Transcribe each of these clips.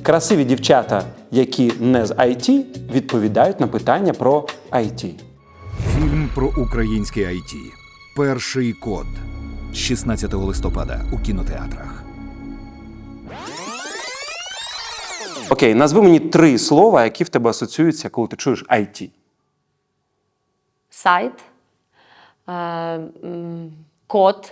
Красиві дівчата, які не з IT, відповідають на питання про IT. Фільм про українське IT. Перший код. З 16 листопада у кінотеатрах. Окей, назви мені 3 слова, які в тебе асоціюються, коли ти чуєш IT. Сайт, код,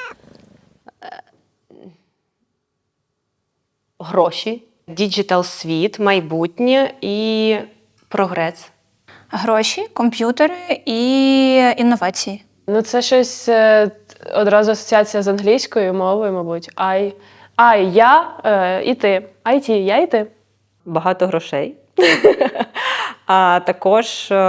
гроші, діджитал-світ, майбутнє і прогрес. Гроші, комп'ютери і інновації. Ну, це щось одразу асоціація з англійською мовою, мабуть. Я і ти. IT, я і ти. Багато грошей. А також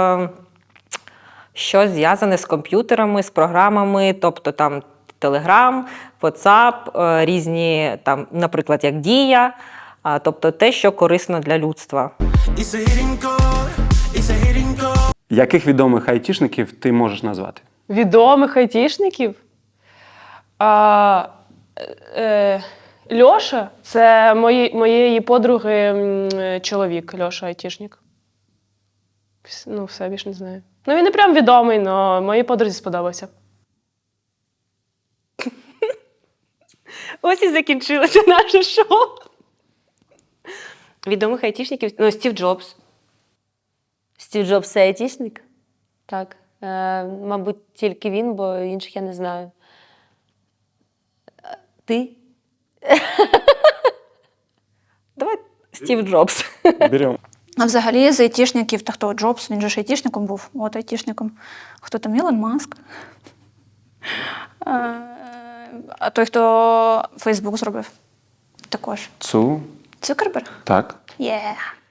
щось зв'язане з комп'ютерами, з програмами, тобто там Telegram, WhatsApp, різні, там, наприклад, як Дія, тобто те, що корисно для людства. Яких відомих айтішників ти можеш назвати? Відомих айтішників? Льоша – це моєї подруги чоловік, Льоша айтішник. Ну, все, більше не знаю. Ну, він не прям відомий, але моїй подрузі сподобався. Ось і закінчилося наше шоу. Відомих айтішників? Ну, Стів Джобс. Стів Джобс – це айтішник? Так. Мабуть, тільки він, бо інших я не знаю. Ти? Давай Стів Джобс. Беремо. А взагалі з айтішників, та хто Джобс, він же ж айтішником був. От айтішником. Хто там? Ілон Маск. А той, хто Фейсбук зробив. Також. Цукерберг? Так. Є.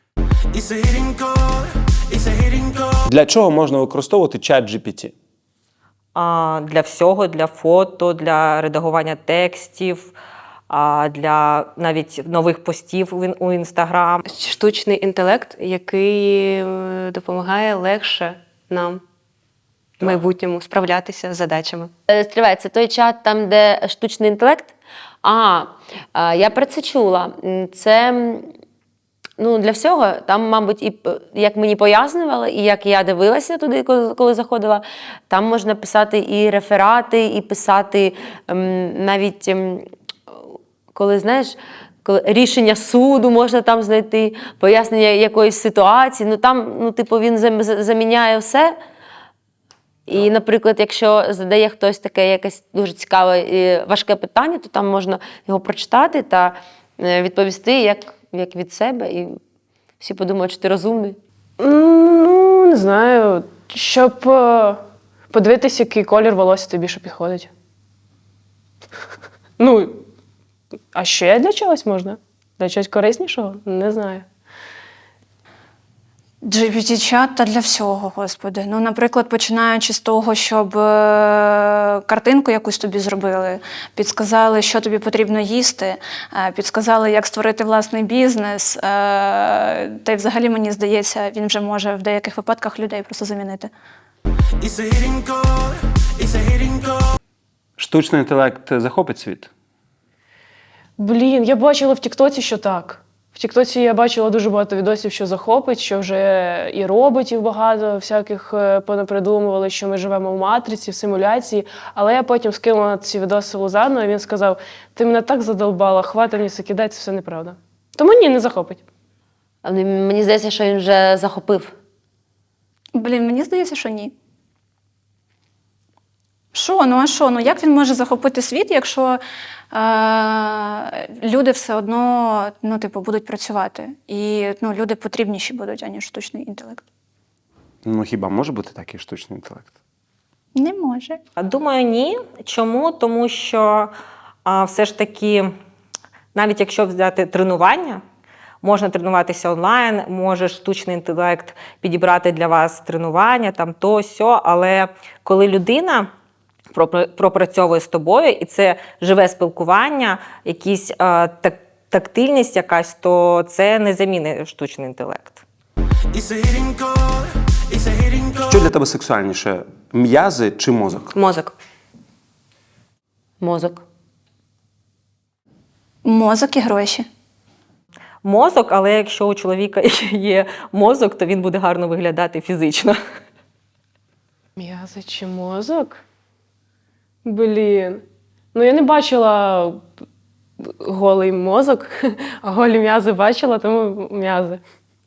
Для чого можна використовувати чат GPT? Для всього, для фото, для редагування текстів, для навіть нових постів у Інстаграм. Штучний інтелект, який допомагає легше нам в майбутньому справлятися з задачами. Стривай, це той чат, там, де штучний інтелект? Я про це чула. Це для всього. Там, мабуть, і як мені пояснювали, і як я дивилася туди, коли заходила, там можна писати і реферати, і писати навіть, коли, знаєш, рішення суду можна там знайти, пояснення якоїсь ситуації. Там, він заміняє все. І, наприклад, якщо задає хтось таке якесь дуже цікаве і важке питання, то там можна його прочитати та відповісти як від себе. І всі подумають, що ти розумний. Не знаю. Щоб подивитися, який колір волосся тобі більше підходить. А ще для чогось можна? Для чогось кориснішого? Не знаю. GPT-чат та для всього, господи. Наприклад, починаючи з того, щоб картинку якусь тобі зробили, підсказали, що тобі потрібно їсти, підсказали, як створити власний бізнес. Та й взагалі, мені здається, він вже може в деяких випадках людей просто замінити. Штучний інтелект захопить світ? Я бачила в Тіктоці, що так. В Тіктоці я бачила дуже багато відосів, що захопить, що вже і роботів багато всяких понапридумували, що ми живемо в матриці, в симуляції. Але я потім скинула ці відоси Лузану, і він сказав: ти мене так задолбала, хватить мені це кидати, це все неправда. Тому ні, не захопить. Але мені здається, що він вже захопив. Мені здається, що ні. Що? Як він може захопити світ, якщо люди все одно, будуть працювати? І люди потрібніші будуть, аніж штучний інтелект. Хіба може бути такий штучний інтелект? Не може. Думаю, ні. Чому? Тому що все ж таки, навіть якщо взяти тренування, можна тренуватися онлайн, може штучний інтелект підібрати для вас тренування, то, сьо, але коли людина пропрацьовує з тобою, і це живе спілкування, якісь тактильність якась, то це не замінить штучний інтелект. Що для тебе сексуальніше? М'язи чи мозок? Мозок. Мозок. Мозок і гроші. мозок, але якщо у чоловіка є мозок, то він буде гарно виглядати фізично. М'язи чи мозок? Блін. Ну, я не бачила голий мозок, а голі м'язи бачила, тому м'язи.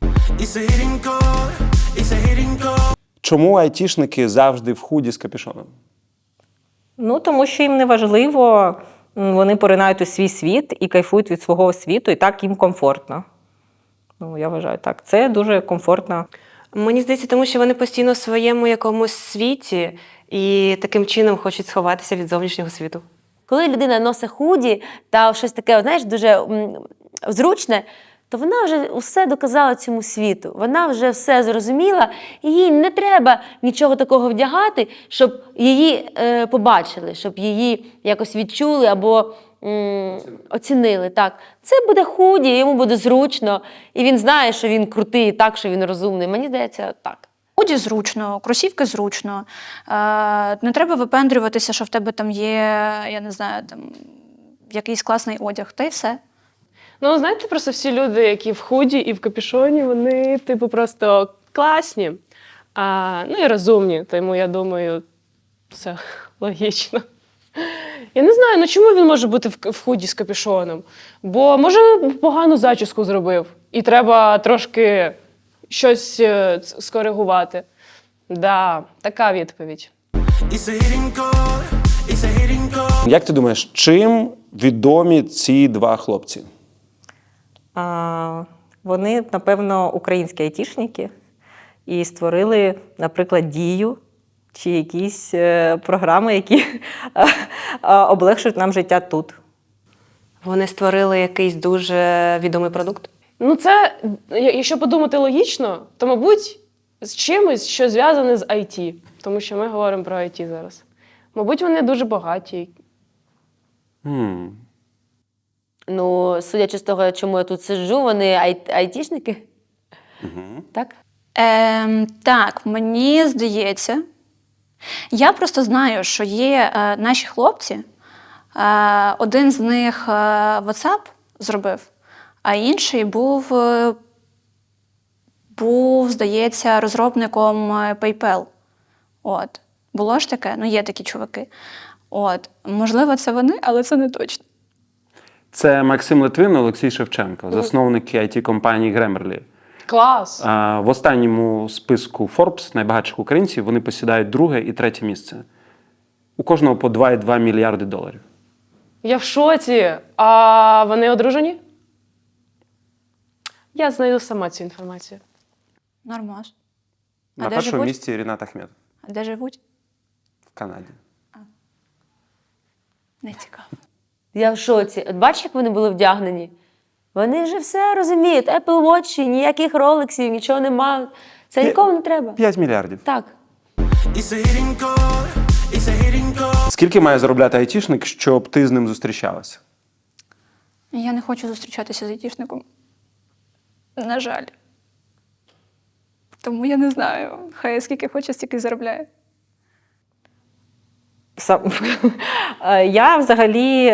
Чому айтішники завжди в худі з капюшоном? Ну, тому що їм не важливо, вони поринають у свій світ і кайфують від свого світу, і так їм комфортно. Ну, я вважаю так. Це дуже комфортно. Мені здається, тому що вони постійно в своєму якомусь світі і таким чином хочуть сховатися від зовнішнього світу. Коли людина носить худі та щось таке, знаєш, дуже зручне, то вона вже все доказала цьому світу. Вона вже все зрозуміла, і їй не треба нічого такого вдягати, щоб її побачили, щоб її якось відчули або оцінили. Так. Це буде худі, йому буде зручно, і він знає, що він крутий, і так, що він розумний. Мені здається, так. Худі зручно, кросівки зручно. Не треба випендрюватися, що в тебе там є, я не знаю, там якийсь класний одяг, та й все. Ну, знаєте, просто всі люди, які в худі і в капюшоні, вони, типу, просто класні, ну і розумні. Тому, я думаю, все логічно. Я не знаю, ну чому він може бути в худі з капюшоном? Бо, може, погану зачіску зробив, і треба трошки щось скоригувати. Да, така відповідь. Як ти думаєш, чим відомі ці два хлопці? Вони, напевно, українські айтішники і створили, наприклад, Дію чи якісь програми, які облегшують нам життя тут. Вони створили якийсь дуже відомий продукт. Ну, це, якщо подумати логічно, то, мабуть, з чимось, що зв'язане з IT. Тому що ми говоримо про IT зараз. Мабуть, вони дуже багаті. Ну, судячи з того, чому я тут сиджу, вони айтішники. Так? Так, мені здається. Я просто знаю, що є наші хлопці. Один з них WhatsApp зробив, а інший був, здається, розробником PayPal. От. Було ж таке? Ну, є такі чуваки. От. Можливо, це вони, але це не точно. Це Максим Литвин, Олексій Шевченко, засновники IT-компанії Grammarly. Клас! В останньому списку Forbes найбагатших українців вони посідають друге і третє місце. У кожного по 2,2 мільярди доларів. Я в шоці. А вони одружені? Я знайду сама цю інформацію. Нормас. На першому місці Рінат Ахметов А де живуть? в Канаді. Не цікаво. Я в шоці. От бачиш, як вони були вдягнені? Вони вже все розуміють. Apple Watch, ніяких ролексів, нічого нема. Це нікому не треба. 5 мільярдів. Так. Скільки має заробляти айтішник, щоб ти з ним зустрічалася? Я не хочу зустрічатися з айтішником. На жаль. Тому я не знаю. Хай скільки хоче, стільки заробляє. Я взагалі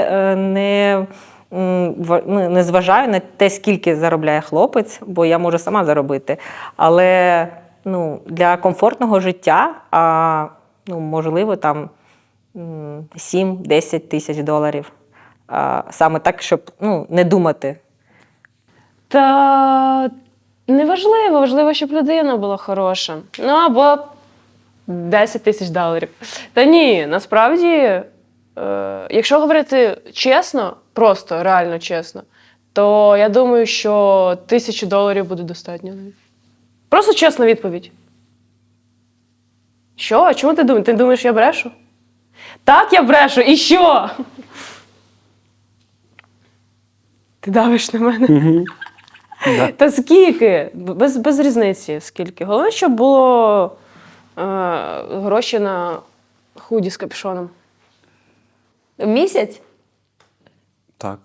не зважаю на те, скільки заробляє хлопець, бо я можу сама заробити. Але для комфортного життя, можливо, там 7-10 тисяч доларів. Саме так, щоб не думати. Та неважливо, важливо, щоб людина була хороша. Ну, або 10 тисяч доларів. Та ні, насправді, якщо говорити чесно, просто реально чесно, то я думаю, що 1000 доларів буде достатньо. Просто чесна відповідь. Що? Чому ти думаєш? Ти думаєш, я брешу? Так, я брешу. І що? Ти давиш на мене? Та скільки? Без різниці скільки. Головне, щоб було гроші на худі з капюшоном. В місяць? Так.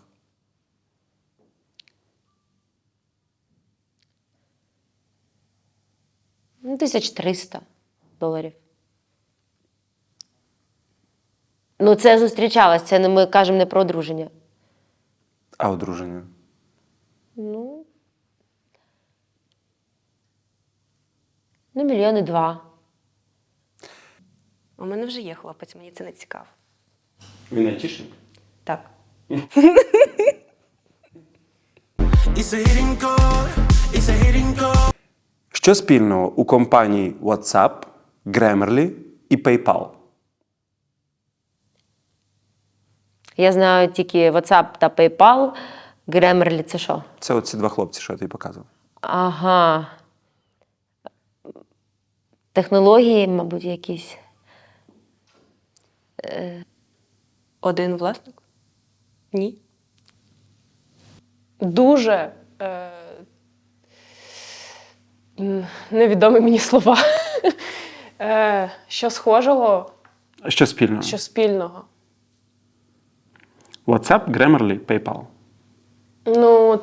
Ну, 1300 доларів. Ну, це зустрічалось, це ми кажемо не про одруження. А одруження? Ну, Ну, 1,2 мільйони. У мене вже є хлопець, мені це не цікаво. Він айтішник? Так. Що спільного у компанії WhatsApp, Grammarly і PayPal? Я знаю тільки WhatsApp та PayPal. Grammarly – це що? Це оці два хлопці, що я тобі показував. Ага. Технології, мабуть, якісь. Один власник? Ні. Дуже невідомі мені слова. Що схожого, Що спільного? що спільного. WhatsApp, Grammarly, PayPal. Ну,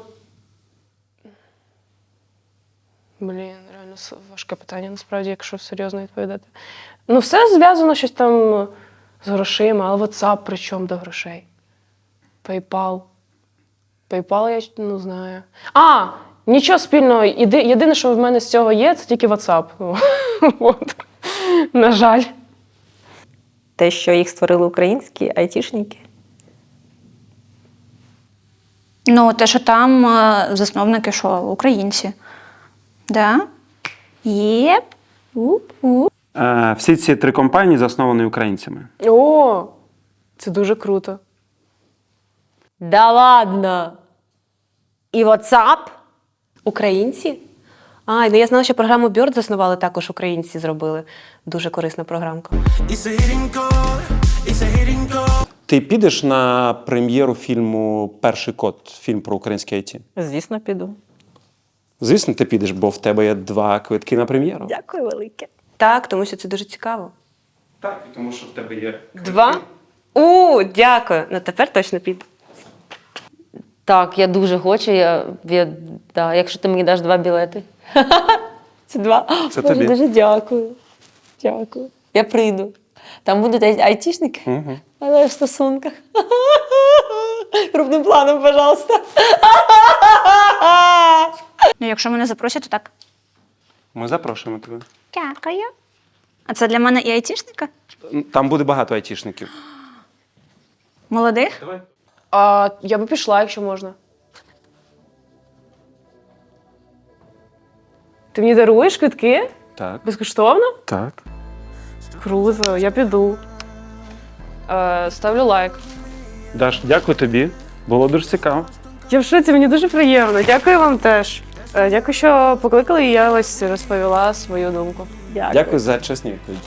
реально важке питання, насправді, якщо серйозно відповідати. Ну, все зв'язано щось там з грошима, але WhatsApp при чому до грошей? PayPal. PayPal я не знаю. Нічого спільного. Єдине, що в мене з цього є, це тільки WhatsApp. Ну, от. На жаль. Те, що їх створили українські айтішники. Ну, те, що там засновники, що українці. Да? Єп. У-у. Всі ці три компанії засновані українцями. О, це дуже круто. Да ладно! І WhatsApp? Українці? Ну я знала, що програму Bird заснували також українці, зробили. Дуже корисна програмка. Ти підеш на прем'єру фільму «Перший код», фільм про українське IT? Звісно, піду. Звісно, ти підеш, бо в тебе є 2 квитки на прем'єру. Дякую велике. Так, тому що це дуже цікаво. Так, тому що в тебе є 2? Дякую. Ну тепер точно піду. Так, я дуже хочу. Да, якщо ти мені даш 2 білети. Це 2. Це Боже, тобі. дуже дякую. Дякую. Я прийду. Там будуть айтішники, Угу. але в стосунках. Крупним планом, пожалуйста. Ну, якщо мене запросять, то так. Ми запрошуємо тебе. Дякую. А це для мене і айтішника? Там буде багато айтішників. Молодих? Давай. Я би пішла, якщо можна. Ти мені даруєш квитки? Так. Безкоштовно? Так. Круто, я піду. Ставлю лайк. Даш, дякую тобі. Було дуже цікаво. Я в шоці, мені дуже приємно. Дякую вам теж. Дякую, що покликали, і я ось розповіла свою думку. Дякую за чесні відповіді.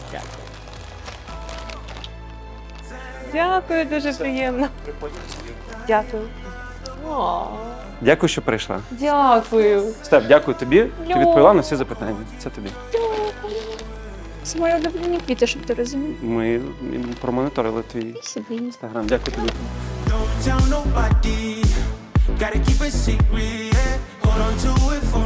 Дякую, дуже приємно. Дякую. Дякую, що прийшла. Дякую. Степ, дякую тобі. Ти відповіла на всі запитання. Це тобі. Це мої улюблені квіти, щоб ти розумів. Ми промоніторили твій Собі. інстаграм. Дякую тобі. Don't tell nobody. Gotta keep it secret. Yeah. Hold on to it for